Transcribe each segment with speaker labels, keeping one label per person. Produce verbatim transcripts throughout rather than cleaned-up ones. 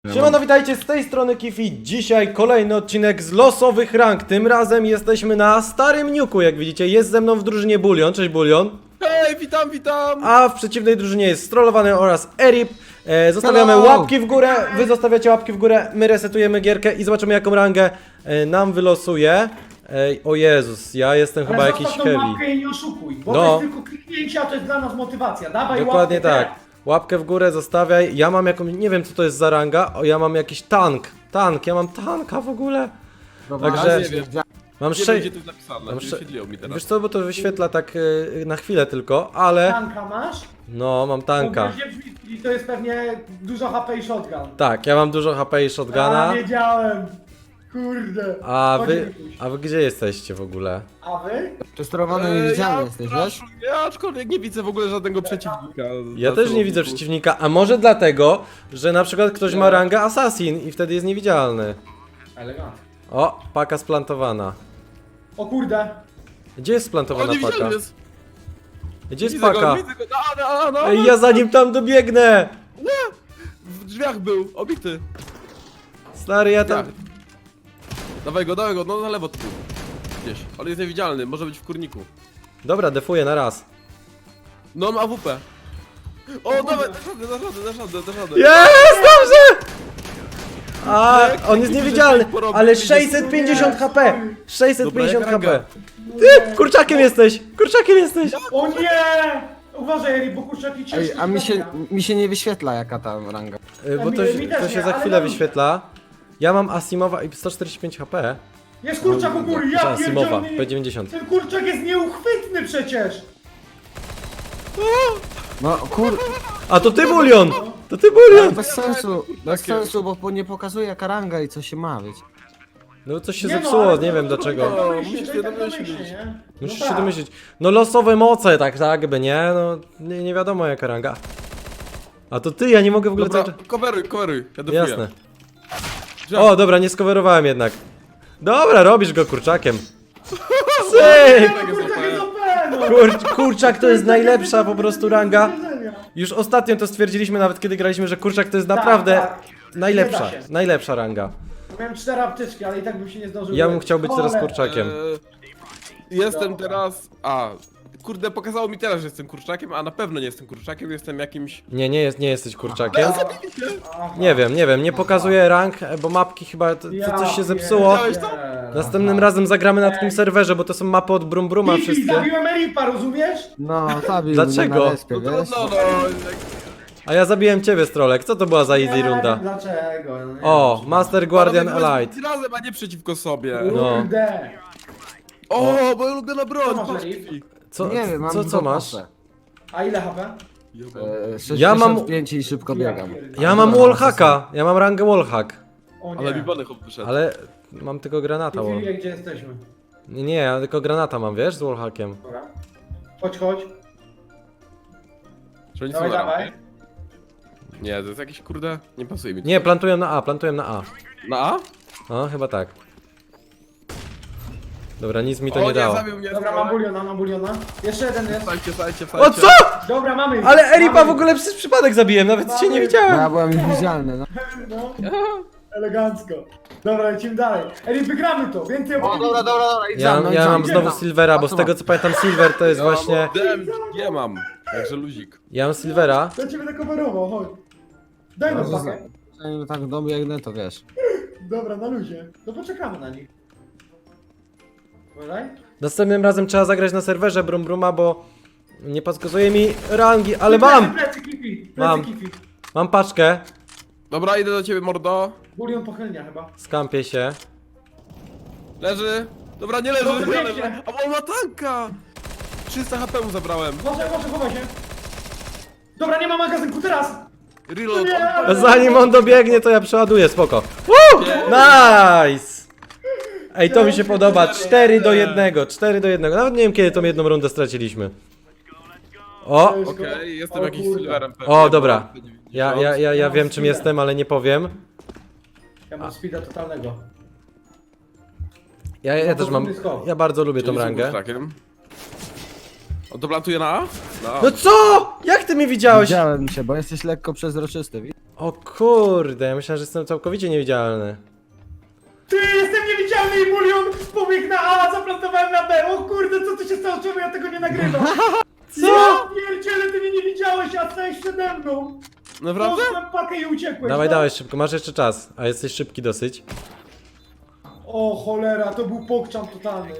Speaker 1: Siemano, witajcie, z tej strony Kifi. Dzisiaj kolejny odcinek z losowych rank. Tym razem jesteśmy na starym niuku, jak widzicie. Jest ze mną w drużynie Bulion. Cześć Bulion.
Speaker 2: Hej, witam, witam!
Speaker 1: A w przeciwnej drużynie jest Strollowany oraz Erip. e, Zostawiamy
Speaker 2: Hello.
Speaker 1: łapki w górę. Wy zostawiacie łapki w górę. My resetujemy gierkę i zobaczymy, jaką rangę e, nam wylosuje. Ej, o Jezus, ja jestem chyba
Speaker 3: Ale
Speaker 1: jakiś
Speaker 3: zostaw tą
Speaker 1: heavy.
Speaker 3: łapkę i nie oszukuj, bo
Speaker 1: No.
Speaker 3: to jest tylko kliknięcie, a to jest dla nas motywacja. Dawaj
Speaker 1: Dokładnie
Speaker 3: łapkę,
Speaker 1: tak. Łapkę w górę zostawiaj. Ja mam jakąś, nie wiem co to jest za ranga. O, ja mam jakiś tank. Tank, ja mam tanka w ogóle. Także
Speaker 2: nie wiem,
Speaker 1: mam
Speaker 2: nie wiem,
Speaker 1: sześć.
Speaker 2: gdzie to jest napisane,
Speaker 1: Mam
Speaker 2: nie
Speaker 1: sze-
Speaker 2: wyświetliło mi teraz.
Speaker 1: Wiesz co, bo to wyświetla tak y, na chwilę tylko, ale...
Speaker 3: Tanka masz?
Speaker 1: No, mam tanka.
Speaker 3: Bo się brzmi, i to jest pewnie dużo H P i shotgun.
Speaker 1: Tak, ja mam dużo H P i
Speaker 3: A,
Speaker 1: shotguna.
Speaker 3: wiedziałem. Kurde.
Speaker 1: A
Speaker 3: Chodź,
Speaker 1: wy...
Speaker 3: Mikuś.
Speaker 1: A wy gdzie jesteście w ogóle?
Speaker 3: A wy?
Speaker 4: Przesterowany
Speaker 2: Eee,
Speaker 4: niewidzialny
Speaker 2: ja,
Speaker 4: jesteś, wiesz?
Speaker 2: proszę, ja aczkolwiek nie widzę w ogóle żadnego przeciwnika.
Speaker 1: Ja
Speaker 2: na
Speaker 1: też nie
Speaker 2: celowniku.
Speaker 1: widzę przeciwnika, a może dlatego, że na przykład ktoś ma rangę Assassin i wtedy jest niewidzialny.
Speaker 3: Elegancko.
Speaker 1: O, paka splantowana.
Speaker 3: O kurde.
Speaker 1: Gdzie jest
Speaker 2: O,
Speaker 1: splantowana
Speaker 2: nie
Speaker 1: paka?
Speaker 2: widziałem jest!
Speaker 1: Gdzie jest
Speaker 2: Widzę go,
Speaker 1: paka?
Speaker 2: widzę go, no, no, no,
Speaker 1: Ej, ja za nim tam dobiegnę!
Speaker 2: W drzwiach był, obity.
Speaker 1: Stary, ja tam...
Speaker 2: Tak. Dawaj go, dawaj go, no na lewo tu. Gdzieś, ale jest niewidzialny, może być w kurniku.
Speaker 1: Dobra, defuję na raz.
Speaker 2: No, ma A W P. O, dawaj, dasz radę, dasz radę, dasz radę, dasz radę.
Speaker 1: Jest, dobrze! A,
Speaker 2: Jak
Speaker 1: on jest
Speaker 2: taki
Speaker 1: niewidzialny,
Speaker 2: rzeczy porobił,
Speaker 1: ale
Speaker 2: widzisz?
Speaker 1: sześćset pięćdziesiąt H P! sześćset pięćdziesiąt
Speaker 2: Dobra,
Speaker 1: H
Speaker 2: jak
Speaker 1: P!
Speaker 2: ranga.
Speaker 1: Ty, kurczakiem jesteś! Kurczakiem jesteś!
Speaker 3: O nie! Uważaj, Eri, bo kurczaki ciężko
Speaker 4: Ej, a mi się,
Speaker 3: trafia.
Speaker 4: mi się nie wyświetla jaka tam ranga.
Speaker 1: Y, Bo
Speaker 3: mi-
Speaker 1: to,
Speaker 3: mi
Speaker 1: się-
Speaker 3: też
Speaker 1: to się
Speaker 3: nie,
Speaker 1: za
Speaker 3: ale
Speaker 1: chwilę
Speaker 3: dobrze.
Speaker 1: wyświetla. Ja mam Asimowa i sto czterdzieści pięć H P.
Speaker 3: Jest kurczak u góry, ja
Speaker 1: Asimowa,
Speaker 3: pierdzielę.
Speaker 1: P dziewięćdziesiąt.
Speaker 3: Ten kurczak jest nieuchwytny przecież.
Speaker 4: No kur...
Speaker 1: A to ty Bulion! To ty
Speaker 4: Ale
Speaker 1: Bulion!
Speaker 4: bez sensu, bez sensu, bo po- nie pokazuje jaka ranga i co się ma, wiecie.
Speaker 1: No coś się
Speaker 3: Nie no,
Speaker 1: zepsuło,
Speaker 3: ale
Speaker 1: nie
Speaker 3: to-
Speaker 1: wiem
Speaker 3: to-
Speaker 1: dlaczego.
Speaker 3: to- to myśli,
Speaker 2: Musisz
Speaker 3: to
Speaker 2: się
Speaker 3: i tak
Speaker 2: domyślić.
Speaker 3: domyśli, nie?
Speaker 1: Musisz
Speaker 3: No
Speaker 1: się
Speaker 3: tak.
Speaker 1: domyślić. No losowe moce, tak, tak by, nie? No nie, nie wiadomo jaka ranga. A to ty, ja nie mogę w ogóle...
Speaker 2: Dobra,
Speaker 1: cały czas-
Speaker 2: coveruj, coveruj, ja defuję.
Speaker 1: Jasne.
Speaker 2: Drzwiach.
Speaker 1: O, dobra, nie skowerowałem jednak. Dobra, robisz go kurczakiem. Syk!
Speaker 3: Nie, no, kurczak jest O P, no.
Speaker 1: Kur, kurczak to jest najlepsza po prostu ranga. Już ostatnio to stwierdziliśmy, nawet kiedy graliśmy, że kurczak to jest naprawdę
Speaker 3: tak.
Speaker 1: najlepsza,
Speaker 3: Nie da się.
Speaker 1: najlepsza ranga.
Speaker 3: Miałem cztery apteczki, ale i tak bym się nie zdążył.
Speaker 1: Ja bym
Speaker 3: wyleczyć.
Speaker 1: chciał być teraz
Speaker 3: Cholera.
Speaker 1: kurczakiem.
Speaker 2: Eee, jestem
Speaker 3: Dobra.
Speaker 2: teraz. A, kurde, pokazało mi teraz, że jestem kurczakiem, a na pewno nie jestem kurczakiem, jestem jakimś.
Speaker 1: Nie, nie, jest, nie jesteś kurczakiem.
Speaker 3: Aha.
Speaker 1: Nie wiem, nie wiem, nie pokazuję rank, bo mapki chyba, to, to coś się zepsuło.
Speaker 2: Widziałeś to?
Speaker 1: Następnym razem zagramy na takim serwerze, bo to są mapy od Brum Bruma
Speaker 3: Kifi,
Speaker 1: wszystkie.
Speaker 3: zabiłem Eripa, rozumiesz?
Speaker 4: No, zabił
Speaker 1: Dlaczego?
Speaker 4: mnie na respie,
Speaker 2: No,
Speaker 4: wiesz?
Speaker 2: no, no,
Speaker 1: A ja zabiłem ciebie, Strolek, co to była za easy
Speaker 3: Nie
Speaker 1: runda?
Speaker 3: wiem dlaczego. no nie
Speaker 1: O,
Speaker 3: wiem.
Speaker 1: Master Guardian
Speaker 2: Panowie,
Speaker 1: Elite.
Speaker 2: razem, a nie przeciwko sobie.
Speaker 1: No.
Speaker 3: Kurde.
Speaker 2: O, moja ulubiona broń.
Speaker 3: Co masz,
Speaker 2: patrz,
Speaker 3: Erik?
Speaker 2: Kifi.
Speaker 1: Co,
Speaker 4: Nie wiem, mam
Speaker 1: co, co
Speaker 4: dwa
Speaker 1: masz?
Speaker 4: pasze.
Speaker 3: A ile H P?
Speaker 4: E,
Speaker 1: Ja mam-
Speaker 4: sześćdziesiąt pięć i szybko biegam.
Speaker 1: Ja mam wallhacka, ja mam rangę wallhack.
Speaker 3: O nie.
Speaker 2: Ale mi bany hop wyszedł.
Speaker 1: Ale mam tylko granata.
Speaker 3: Kifi
Speaker 1: wall-
Speaker 3: wie, gdzie jesteśmy.
Speaker 1: Nie, nie, ja tylko granata mam, wiesz, z wallhackiem.
Speaker 3: Dobra. Chodź, chodź.
Speaker 2: Czy oni są
Speaker 3: Dawaj,
Speaker 2: na
Speaker 3: dawaj.
Speaker 2: rampie? Nie, to jest jakiś kurde. Nie pasuje mi to.
Speaker 1: Nie, plantuję na A, plantuję na A.
Speaker 2: Na A?
Speaker 1: No, chyba tak. Dobra, nic mi to
Speaker 2: o,
Speaker 1: nie dało.
Speaker 2: zabił mnie.
Speaker 3: Dobra, mam buliona, mam buliona. Jeszcze jeden jest.
Speaker 2: Wstajcie, wstajcie,
Speaker 1: O
Speaker 2: wstajcie.
Speaker 1: co?!
Speaker 3: Dobra, mamy.
Speaker 1: Ale Eripa
Speaker 3: Mamy.
Speaker 1: w ogóle przez przypadek zabiłem, nawet się nie
Speaker 3: Mamy.
Speaker 4: No,
Speaker 1: widziałem.
Speaker 4: ja byłem niewidzialny, no.
Speaker 3: No. Elegancko. Dobra, lecimy dalej. Eri, wygramy to. Więcej
Speaker 4: O, dobra,
Speaker 3: opowiem.
Speaker 4: dobra, dobra, idź za
Speaker 1: Ja,
Speaker 4: mną,
Speaker 1: ja
Speaker 4: idź
Speaker 1: mam
Speaker 4: za
Speaker 1: znowu
Speaker 4: mną.
Speaker 1: Silvera, bo z tego co pamiętam Silver to jest
Speaker 2: Ja
Speaker 1: właśnie...
Speaker 2: Dem, nie mam. Także luzik.
Speaker 1: Ja mam Silvera.
Speaker 3: Ja ciebie nakowerował, chodź. Daj nam
Speaker 4: No,
Speaker 3: pakę.
Speaker 4: Zanim tak dobiegnę, to wiesz.
Speaker 3: Dobra, na luzie. To poczekamy na nich. Uważaj.
Speaker 1: Następnym razem trzeba zagrać na serwerze Brum Bruma, bo nie podskazuje mi rangi, ale mam!
Speaker 3: Plecy, kipi. Plecy,
Speaker 1: Mam.
Speaker 3: kipi.
Speaker 1: Mam paczkę,
Speaker 2: Dobra, idę do ciebie, mordo.
Speaker 3: Bulion pochylnia chyba.
Speaker 1: skampię się.
Speaker 2: Leży. Dobra, nie leży,
Speaker 3: Dobra,
Speaker 2: nie
Speaker 3: pięknie.
Speaker 2: leży. A on ma tanka! trzysta H P mu zabrałem.
Speaker 3: Może, może, chowaj się. Dobra, nie ma magazynku, teraz!
Speaker 2: Reload.
Speaker 3: Nie,
Speaker 2: on-
Speaker 3: ale-
Speaker 1: Zanim on dobiegnie, to ja przeładuję, spoko. Woo! Nice! Ej, to mi się podoba. cztery do jednego, cztery do jednego. Nawet nie wiem, kiedy tą jedną rundę straciliśmy. O!
Speaker 2: Okej, jestem
Speaker 3: O
Speaker 2: jakimś
Speaker 3: kurde.
Speaker 2: silverem pewnie.
Speaker 1: O, dobra.
Speaker 2: bo-
Speaker 1: Ja, ja, ja, ja wiem, czym jestem, ale nie powiem.
Speaker 3: Ja mam speeda totalnego.
Speaker 1: Ja, ja też mam... Ja bardzo lubię tą
Speaker 2: Czyli
Speaker 1: rangę.
Speaker 2: jestem kurczakiem. On to plantuje na A? Na A.
Speaker 1: No co?! Jak ty mnie widziałeś?
Speaker 4: Widziałem się, bo jesteś lekko przezroczysty, widzisz?
Speaker 1: O kurde, ja myślałem, że jestem całkowicie niewidzialny.
Speaker 3: Ty, jestem niewidzialny i Bulion pobiegł na A, zaplantowałem na B. O kurde, co tu się stało? Czemu ja tego nie nagrywam?
Speaker 1: Co?
Speaker 3: Ja pierdziele, ty mnie nie widziałeś, a stałeś przede mną.
Speaker 2: Naprawdę?
Speaker 3: Poszłem pakę i uciekłeś.
Speaker 1: Dawaj,
Speaker 3: no.
Speaker 1: dawaj szybko, masz jeszcze czas, a jesteś szybki dosyć.
Speaker 3: O cholera, to był pokczam totalny.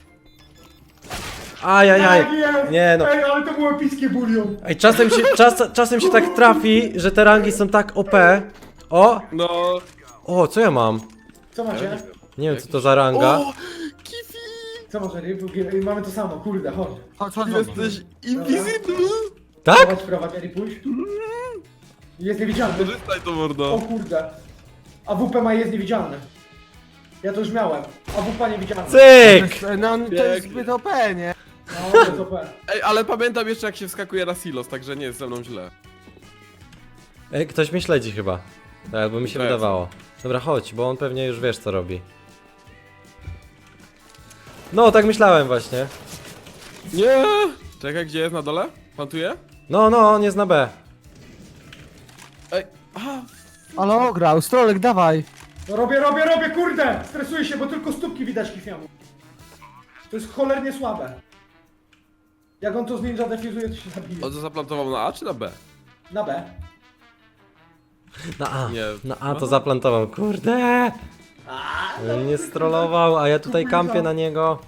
Speaker 1: Ajajaj.
Speaker 3: Tak jest.
Speaker 1: Nie no.
Speaker 3: Ej, ale to było epickie Bulion.
Speaker 1: Ej, czasem się, czas, czasem się tak trafi, że te rangi są tak O P. O!
Speaker 2: No...
Speaker 1: O, co ja mam?
Speaker 3: Co macie?
Speaker 1: Nie wiem co to za ranga.
Speaker 2: O! Kifi!
Speaker 3: Co macie? Ej, mamy to samo, kurde, chodź.
Speaker 4: Chodź, chodź, chodź.
Speaker 2: Jesteś invisible!
Speaker 1: Tak?
Speaker 3: Chodź, prowadź, Eri, pójdź. Jest niewidzialny.
Speaker 2: Korzystaj to, mordo.
Speaker 3: O kurde. A W P ma jest niewidzialny. Ja to już miałem. A W P niewidzialny.
Speaker 1: Cyk!
Speaker 4: No to jest zbyt O P, nie?
Speaker 3: No, to jest O P.
Speaker 2: Ej, ale pamiętam jeszcze jak się wskakuje na silos, także nie jest ze mną źle.
Speaker 1: Ej, ktoś mnie śledzi chyba. Tak, albo mi się
Speaker 2: To jest.
Speaker 1: wydawało. Dobra, chodź, bo on pewnie już wiesz co robi. No, tak myślałem właśnie.
Speaker 2: Nie! Czekaj, gdzie jest na dole? Plantuje?
Speaker 1: No, no, on jest na B.
Speaker 2: Ej, aha!
Speaker 4: Ale ograł, Strolek, dawaj.
Speaker 3: No robię, robię, robię, kurde! Stresuję się, bo tylko stópki widać kifiamu. To jest cholernie słabe. Jak on to z ninja defuzuje, to się zabije.
Speaker 2: On to zaplantował na A czy na B?
Speaker 3: Na B.
Speaker 1: Na A.
Speaker 2: Nie.
Speaker 1: Na A to zaplantował, kurde! On mnie strollował, a ja tutaj kampię na niego.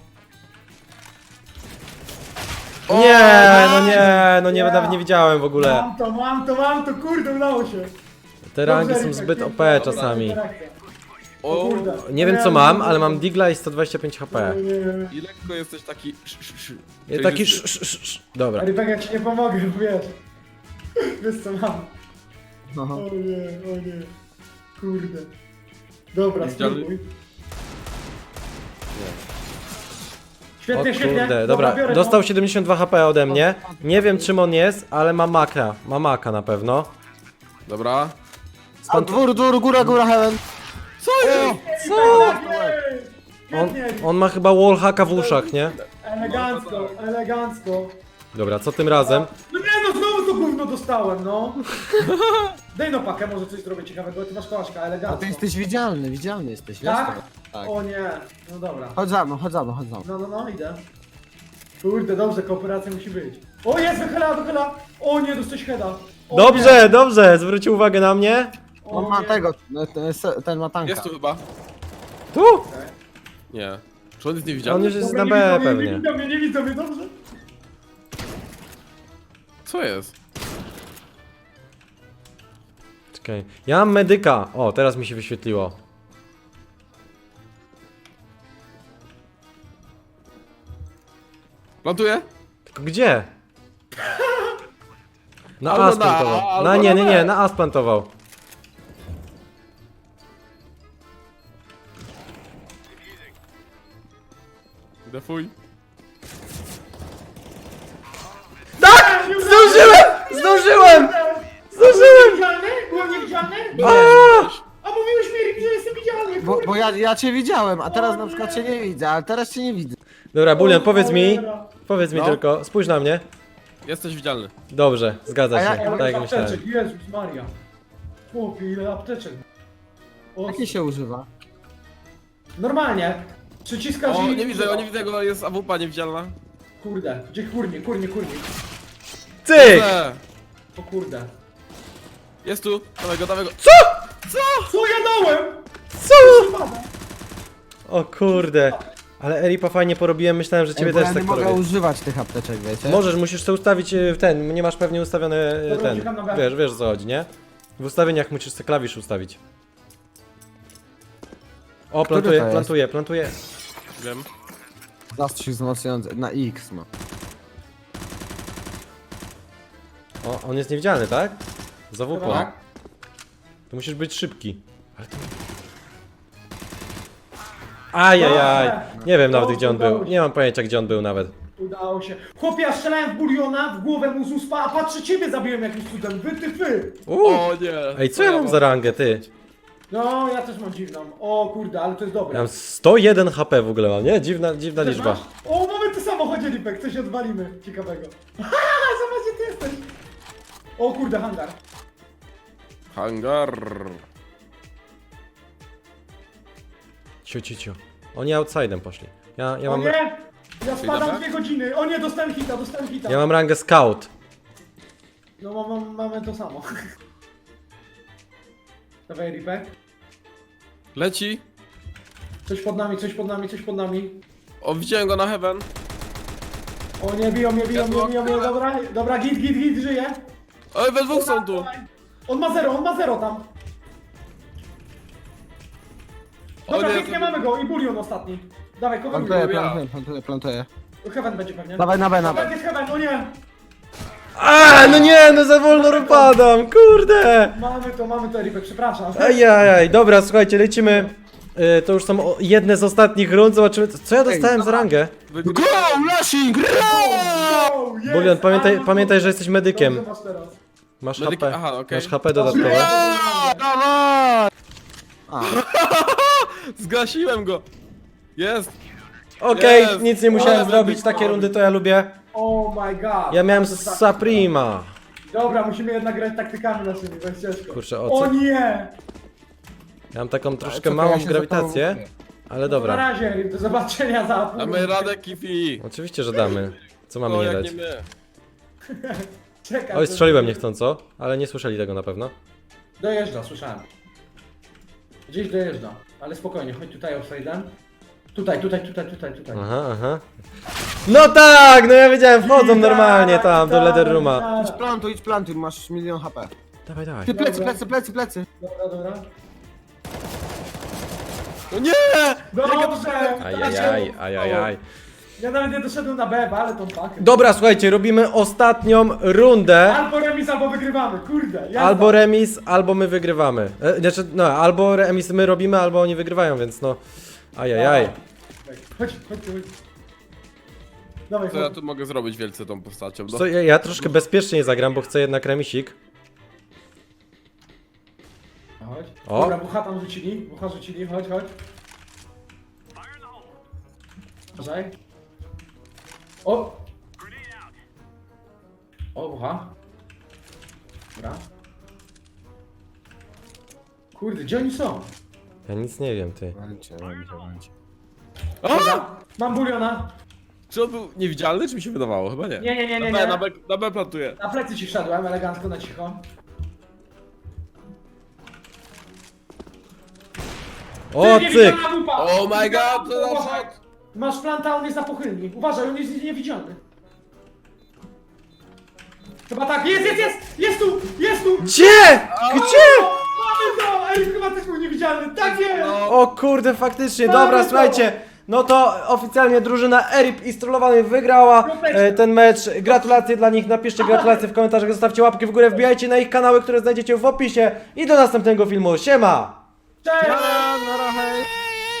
Speaker 1: Nie, no nie, no nie, nawet nie widziałem w ogóle.
Speaker 3: Mam to, mam to, mam to, kurde, udało się.
Speaker 1: Te rangi
Speaker 3: Dobrze,
Speaker 1: są
Speaker 3: Erika,
Speaker 1: zbyt
Speaker 3: piękna,
Speaker 1: O P
Speaker 3: dobra
Speaker 1: czasami.
Speaker 3: interakcja.
Speaker 2: O,
Speaker 3: O kurde.
Speaker 1: Nie wiem co mam, ale mam Digla i sto dwadzieścia pięć H P.
Speaker 3: Nie, nie, nie.
Speaker 2: i lekko jesteś taki... sz, sz, sz.
Speaker 1: Ja taki sz, sz, sz, sz. Dobra.
Speaker 3: Eribek, ja ci nie pomogę, bo wiesz. Wiesz co mam.
Speaker 4: Aha.
Speaker 3: O nie, o nie. Kurde. Dobra,
Speaker 2: Widzialny?
Speaker 3: spróbuj.
Speaker 1: O
Speaker 3: Świetnie, świetnie.
Speaker 1: kurde, dobra,
Speaker 3: biorę
Speaker 1: dostał
Speaker 3: to.
Speaker 1: siedemdziesiąt dwa H P ode mnie. Nie wiem czym on jest, ale ma maka. Ma maka na pewno.
Speaker 2: Dobra.
Speaker 4: A dwór, dwór, góra, góra, heaven.
Speaker 2: Co jest?
Speaker 1: Co?
Speaker 3: Ej,
Speaker 1: On,
Speaker 3: Świetnie.
Speaker 1: on ma chyba wallhacka w uszach, nie?
Speaker 3: Elegancko, elegancko.
Speaker 1: Dobra, co tym razem?
Speaker 3: No nie no, znowu to gówno dostałem, no. Daj no pakę, może coś zrobię ciekawego, ty masz kołaszka,
Speaker 4: A
Speaker 3: elegancko.
Speaker 4: ty jesteś widzialny, widzialny jesteś,
Speaker 3: Tak?
Speaker 4: jasne. Tak.
Speaker 3: O nie, no dobra.
Speaker 4: Chodź za mną, chodź za mną, chodź za mną.
Speaker 3: No, no, no, idę. Kurde, dobrze, kooperacja musi być. O, jest, wychyla, wychyla. O nie, dostałeś heada. O
Speaker 1: Dobrze, dobrze, zwrócił uwagę na mnie.
Speaker 3: nie. O
Speaker 4: On ma
Speaker 3: nie.
Speaker 4: tego, no, ten, ten ma tanka.
Speaker 2: Jest tu chyba?
Speaker 1: Tu!
Speaker 2: Nie. Czy on jest
Speaker 1: On
Speaker 2: niewidzialny?
Speaker 1: już jest
Speaker 3: Dobra,
Speaker 1: na
Speaker 3: nie
Speaker 1: B
Speaker 3: widzą mnie,
Speaker 1: pewnie.
Speaker 3: Nie widzą mnie, nie widzą mnie, dobrze?
Speaker 2: Co jest?
Speaker 1: Czekaj. Ja mam medyka. O, teraz mi się wyświetliło.
Speaker 2: Plantuje?
Speaker 1: Tylko gdzie? Na
Speaker 2: Albo
Speaker 1: A
Speaker 2: na
Speaker 1: splantował.
Speaker 2: A, albo
Speaker 1: Na nie,
Speaker 2: na
Speaker 1: nie,
Speaker 2: B.
Speaker 1: nie, na A splantował.
Speaker 2: Defuj.
Speaker 1: Tak! Zdążyłem! Zdążyłem! Zdążyłem!
Speaker 3: Niewidzialny? Byłem niewidzialny?
Speaker 1: A!
Speaker 3: A mówiłeś mi, że jestem widzialny,
Speaker 4: Bo,
Speaker 3: kurde.
Speaker 4: bo ja, ja cię widziałem, a teraz na przykład cię nie widzę, ale teraz cię nie widzę.
Speaker 1: Dobra, Bulion,
Speaker 3: O,
Speaker 1: powiedz mi.
Speaker 3: cholera.
Speaker 1: Powiedz mi
Speaker 2: No.
Speaker 1: tylko, spójrz na mnie.
Speaker 2: Jesteś widzialny.
Speaker 1: Dobrze, zgadza
Speaker 4: A
Speaker 1: się,
Speaker 4: ja-
Speaker 3: Ja
Speaker 1: tak jak
Speaker 3: mam
Speaker 1: myślałem.
Speaker 3: apteczek, Jezus Maria. Chłopie, ile apteczek. O,
Speaker 4: Jakie się używa?
Speaker 3: normalnie. Przyciskasz
Speaker 2: O,
Speaker 3: i...
Speaker 2: nie widzę go, nie widzę go, jest A W P niewidzialna.
Speaker 3: Kurde, gdzie kurnie, kurnie, kurnie.
Speaker 1: Cyk!
Speaker 2: Widzę.
Speaker 3: O kurde.
Speaker 2: Jest tu, dawaj go, dawaj go.
Speaker 3: Co ja dałem?
Speaker 1: Co?
Speaker 3: Spada.
Speaker 1: O kurde. Ale Eripa fajnie porobiłem, myślałem, że ciebie
Speaker 4: Ej, bo
Speaker 1: też
Speaker 4: ja
Speaker 1: tak
Speaker 4: nie mogę
Speaker 1: porobię.
Speaker 4: używać tych apteczek, wiecie?
Speaker 1: Możesz, musisz sobie ustawić y, ten, nie masz pewnie ustawiony y,
Speaker 3: Dobra,
Speaker 1: ten,
Speaker 3: uciekam na B.
Speaker 1: wiesz, wiesz o co chodzi, nie? W ustawieniach musisz sobie klawisz ustawić. O,
Speaker 4: Który
Speaker 1: plantuje,
Speaker 4: to jest?
Speaker 1: plantuje, plantuje.
Speaker 2: Wiem.
Speaker 4: Zastrzyk wzmacniający, na X ma.
Speaker 1: O, on jest niewidzialny, tak? Zawukło.
Speaker 3: Tak.
Speaker 1: To musisz być szybki. Ale to... Ajajaj. Nie wiem nawet gdzie on był. Nie mam pojęcia gdzie on był nawet.
Speaker 3: Udało się. Chłopie, ja strzelałem w buliona, w głowę mu z uspa, a patrzę, ciebie zabiłem jakimś cudem. Wy, ty, ty.
Speaker 1: Uuu.
Speaker 2: O nie.
Speaker 1: Ej, co ja mam za rangę, ty?
Speaker 3: No, ja też mam dziwną. O kurde, ale to jest dobre.
Speaker 1: Ja mam sto jeden H P w ogóle mam, nie? Dziwna, dziwna
Speaker 3: Też
Speaker 1: liczba.
Speaker 3: masz? O, mamy to samochodzie, Lipek, coś odwalimy ciekawego. Haha, zobacz, gdzie ty jesteś. O kurde, hangar.
Speaker 2: Hangar.
Speaker 1: Ciu, ciu, ciu. Oni outside'em poszli. Ja, ja
Speaker 3: O
Speaker 1: mam...
Speaker 3: nie! Ja spadam
Speaker 2: dobra?
Speaker 3: dwie godziny. O nie, dostałem hita, dostałem hita.
Speaker 1: Ja mam rangę scout.
Speaker 3: No mam, mam, mamy to samo. Dawaj Ripek.
Speaker 2: Leci.
Speaker 3: Coś pod nami, coś pod nami, coś pod nami.
Speaker 2: O, widziałem go na heaven.
Speaker 3: O nie, biją mnie, biją mnie, biją mnie. Dobra, dobra, git, git, git, żyje.
Speaker 2: Oj, we dwóch są tu.
Speaker 3: On ma zero, on ma zero tam.
Speaker 2: O
Speaker 3: Dobra,
Speaker 2: nie,
Speaker 3: pięknie
Speaker 2: to-
Speaker 3: mamy go i bulion ostatni. Dawaj, kogo
Speaker 4: Plantuję,
Speaker 3: mi
Speaker 4: plantuję, plantuję, plantuję.
Speaker 3: Heaven będzie pewnie.
Speaker 4: Dawaj na B, na
Speaker 3: Heaven
Speaker 4: B.
Speaker 3: jest Heaven, o nie!
Speaker 1: A, no nie, no za wolno upadam, kurde!
Speaker 3: Mamy to, mamy to Ripek, przepraszam.
Speaker 1: Ajajaj, dobra, słuchajcie, lecimy. Y, to już są o- jedne z ostatnich rund, zobaczymy, co, co ja dostałem za rangę.
Speaker 2: Wygry-
Speaker 4: Go, Lashing!
Speaker 3: Go, yes,
Speaker 1: Bulion, pamiętaj,
Speaker 3: ale-
Speaker 1: pamiętaj, że jesteś medykiem.
Speaker 3: Dobrze masz teraz.
Speaker 1: Masz
Speaker 2: Medyk-
Speaker 1: H P,
Speaker 2: aha, okej.
Speaker 1: masz H P dodatkowe.
Speaker 4: A, dawaj! A,
Speaker 2: Zgasiłem go. Jest.
Speaker 1: Okej,
Speaker 2: Jest.
Speaker 1: nic nie musiałem
Speaker 2: Ale
Speaker 1: zrobić,
Speaker 2: medyk.
Speaker 1: takie rundy to ja lubię.
Speaker 3: Oh my god.
Speaker 1: Ja miałem
Speaker 3: To jest tak-
Speaker 1: Saprima.
Speaker 3: Dobra, musimy jednak grać taktykami naszymi, bo jest ciężko.
Speaker 1: Kurczę, o
Speaker 3: O
Speaker 1: co?
Speaker 3: nie!
Speaker 1: Ja mam taką troszkę
Speaker 4: czekaj,
Speaker 1: małą
Speaker 4: ja się
Speaker 1: grawitację,
Speaker 4: zapomnę.
Speaker 1: ale
Speaker 3: Na
Speaker 1: dobra.
Speaker 3: razie, Rip, do zobaczenia za pół.
Speaker 2: Damy radę, Kifi.
Speaker 1: Oczywiście, że damy. Co mamy
Speaker 2: O,
Speaker 1: nie
Speaker 2: jak
Speaker 1: dać?
Speaker 2: nie my.
Speaker 3: Czekaj.
Speaker 1: Oj,
Speaker 3: to-
Speaker 1: strzeliłem niechcąco, ale nie słyszeli tego na pewno.
Speaker 3: Dojeżdża, słyszałem. Gdzieś dojeżdża, ale spokojnie, chodź tutaj offside'em. Tutaj, tutaj, tutaj, tutaj, tutaj.
Speaker 1: Aha, aha. No tak, no ja wiedziałem, wchodzą normalnie tam do Leather Rooma.
Speaker 4: idź plantuj, idź plantuj, masz milion H P.
Speaker 1: Dawaj, dawaj.
Speaker 4: Ty plecy,
Speaker 3: Dobra.
Speaker 4: plecy, plecy, plecy.
Speaker 3: Dobra, dobra.
Speaker 2: O nie!
Speaker 3: Dobrze!
Speaker 1: Ajajaj, ajajaj.
Speaker 3: Ja nawet nie doszedłem na B, ale tą pakę.
Speaker 1: Dobra, słuchajcie, robimy ostatnią rundę.
Speaker 3: Albo remis, albo wygrywamy, kurde. Jazda.
Speaker 1: Albo remis, albo my wygrywamy. E, znaczy, no, albo remis my robimy, albo oni wygrywają, więc no. Ajajaj.
Speaker 3: Chodź, chodź, chodź. Dawaj,
Speaker 2: Co ja
Speaker 3: chodź.
Speaker 2: tu mogę zrobić wielce tą postacią? No.
Speaker 1: Co, ja, ja troszkę bezpieczniej zagram, bo chcę jednak remisik.
Speaker 3: Chodź.
Speaker 1: O.
Speaker 3: Dobra, bucha tam rzucili, bucha rzucili, chodź, chodź. Uważaj. O! O, bucha. Dobra. Kurde, gdzie oni są?
Speaker 1: Ja nic nie wiem, ty.
Speaker 4: Walcie, walcie, walcie.
Speaker 3: Dobra, mam buliona.
Speaker 2: Czy on był niewidzialny, czy mi się wydawało? Chyba nie.
Speaker 3: Nie, nie, nie, nie,
Speaker 2: Na B, na
Speaker 3: nie.
Speaker 2: B, na B plantuję.
Speaker 3: Na plecy ci wszedłem, elegancko, na cicho.
Speaker 1: O,
Speaker 3: Ty,
Speaker 1: cyk!
Speaker 3: niewidzialna lupa!
Speaker 2: Oh my
Speaker 3: Niewidzialna
Speaker 2: god, to
Speaker 3: lupa,
Speaker 2: na
Speaker 3: uważaj.
Speaker 2: shot.
Speaker 3: Masz planta, on jest na pochylni. Uważaj, on jest niewidzialny. Chyba tak, jest, jest, jest! Jest tu! Jest tu!
Speaker 1: Gdzie? Gdzie?
Speaker 3: Mamy to! Ej, chyba też był niewidzialny. Tak jest!
Speaker 1: O kurde, faktycznie,
Speaker 3: Mamy
Speaker 1: dobra,
Speaker 3: to.
Speaker 1: słuchajcie. No to oficjalnie drużyna Erip i Strollowany wygrała e, ten mecz. Gratulacje dla nich, napiszcie gratulacje w komentarzach, zostawcie łapki w górę, wbijajcie na ich kanały, które znajdziecie w opisie i do następnego filmu. Siema!
Speaker 3: Cześć!
Speaker 4: Na razie.